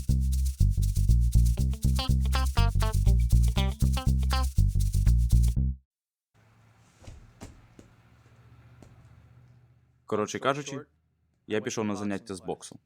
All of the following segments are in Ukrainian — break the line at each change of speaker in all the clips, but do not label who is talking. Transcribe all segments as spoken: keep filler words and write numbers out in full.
Коротше кажучи, я пішов на заняття з боксу.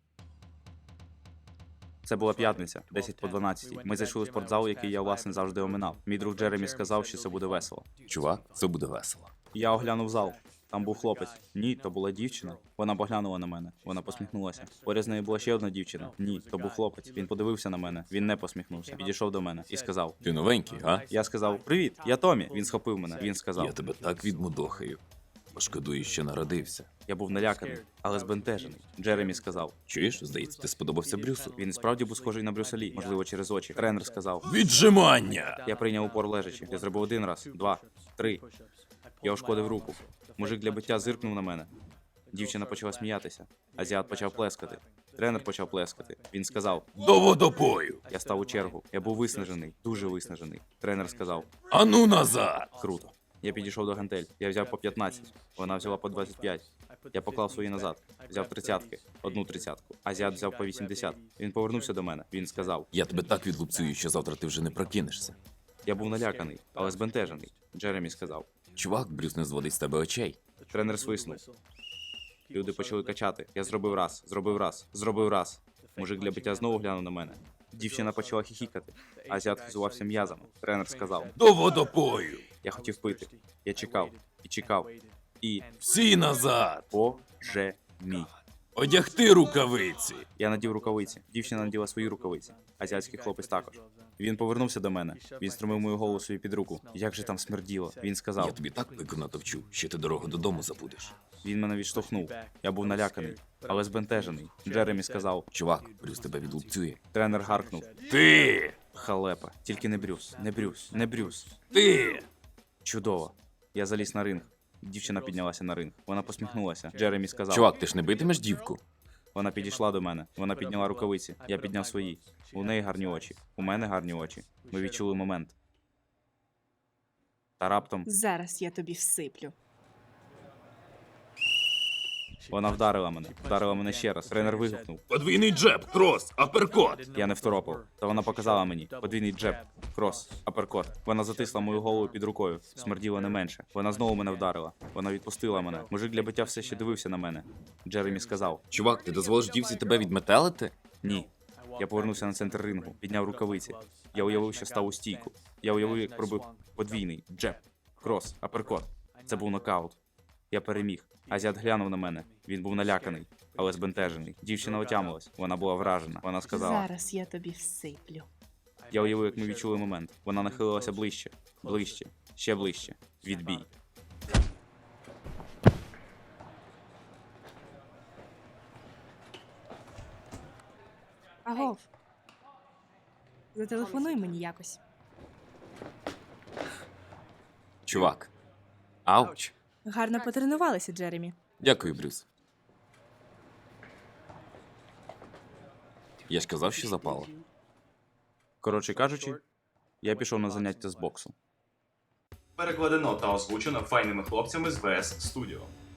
Це була п'ятниця, десять по дванадцятій. Ми зайшли у спортзал, який я, власне, завжди оминав. Мій друг Джеремі сказав, що це буде весело.
Чувак, це буде весело.
Я оглянув зал. Там був хлопець. Ні, то була дівчина. Вона поглянула на мене. Вона посміхнулася. Поряд з нею була ще одна дівчина. Ні, то був хлопець. Він подивився на мене. Він не посміхнувся. Підійшов до мене і сказав:
Ти новенький, га?
Я сказав: "Привіт, я Томі". Він схопив мене. Він сказав:
Я тебе так відмудохаю. Пошкодую, що народився.
Я був наляканий, але збентежений. Джеремі сказав:
Чуєш, здається, ти сподобався Брюсу.
Він і справді був схожий на Брюса Лі, можливо, через очі. Тренер сказав:
Віджимання!
Я прийняв упор лежачи. Я зробив один раз, два, три. Я ушкодив руку. Мужик для биття зиркнув на мене. Дівчина почала сміятися. Азіат почав плескати. Тренер почав плескати. Він сказав:
До водопою!
Я став у чергу. Я був виснажений, дуже виснажений. Тренер сказав:
Ану назад!
Круто. Я підійшов до гантель. Я взяв по п'ятнадцять. Вона взяла по двадцять п'ять. Я поклав свої назад. Взяв тридцятки. Одну тридцятку. Азіат взяв по вісімдесят. Він повернувся до мене. Він сказав:
Я тебе так відлупцюю, що завтра ти вже не прокинешся.
Я був наляканий, але збентежений. Джеремі сказав.
Чувак, Брюс не зводить з тебе очей.
Тренер свиснув. Люди почали качати. Я зробив раз, зробив раз, зробив раз. Мужик для биття знову глянув на мене. Дівчина почала хіхікати. Азіат хизувався м'язами. Тренер сказав:
До водопою!
Я хотів пити. Я чекав. І чекав. І...
Всі назад!
Боже мій.
Одягти рукавиці!
Я надів рукавиці. Дівчина наділа свої рукавиці. Азіатський хлопець також. Він повернувся до мене. Він струмив мою голову собі під руку. Як же там смерділо. Він
Я
сказав.
тобі так пику натовчу, що ти дорогу додому забудеш.
Він мене відштовхнув. Я був наляканий, але збентежений. Джеремі сказав.
Чувак, Брюс тебе відлупцює.
Тренер гаркнув.
Ти!
Халепа. Тільки не Брюс. Не Брюс. Не Брюс.
Ти!
Чудово. Я заліз на ринг. Дівчина піднялася на ринг. Вона посміхнулася. Джеремі сказав.
Чувак, ти ж не битимеш дівку?
Вона підійшла до мене. Вона підняла рукавиці. Я підняв свої. У неї гарні очі. У мене гарні очі. Ми відчули момент. Та раптом
Зараз я тобі всиплю.
вона вдарила мене. Вдарила мене ще раз. Тренер вигукнув.
Подвійний джеб, крос, аперкот!
Я не второпав. Та вона показала мені. Подвійний джеб, крос, аперкот. Вона затисла мою голову під рукою. Смерділо не менше. Вона знову мене вдарила. Вона відпустила мене. Мужик для биття все ще дивився на мене. Джеремі сказав.
Чувак, ти дозволиш дівці тебе відметелити?
Ні. Я повернувся на центр рингу, підняв рукавиці. Я уявив, що став у стійку. Я уявив, як пробив подвійний джеб, крос, аперкот. Це був нокаут. Я переміг. Азіат глянув на мене. Він був наляканий, але збентежений. Дівчина отямилась. Вона була вражена. Вона сказала.
Зараз я тобі всиплю.
Я уявив, як ми відчули момент. Вона нахилилася ближче, ближче, ще ближче. Відбій.
Агов. Зателефонуй мені якось.
Чувак. Ауч.
Гарно потренувалися, Джеремі.
Дякую, Брюс. Я ж казав, що запало.
Коротше кажучи, я пішов на заняття з боксу.
Перекладено та озвучено файними хлопцями з ВС Studio.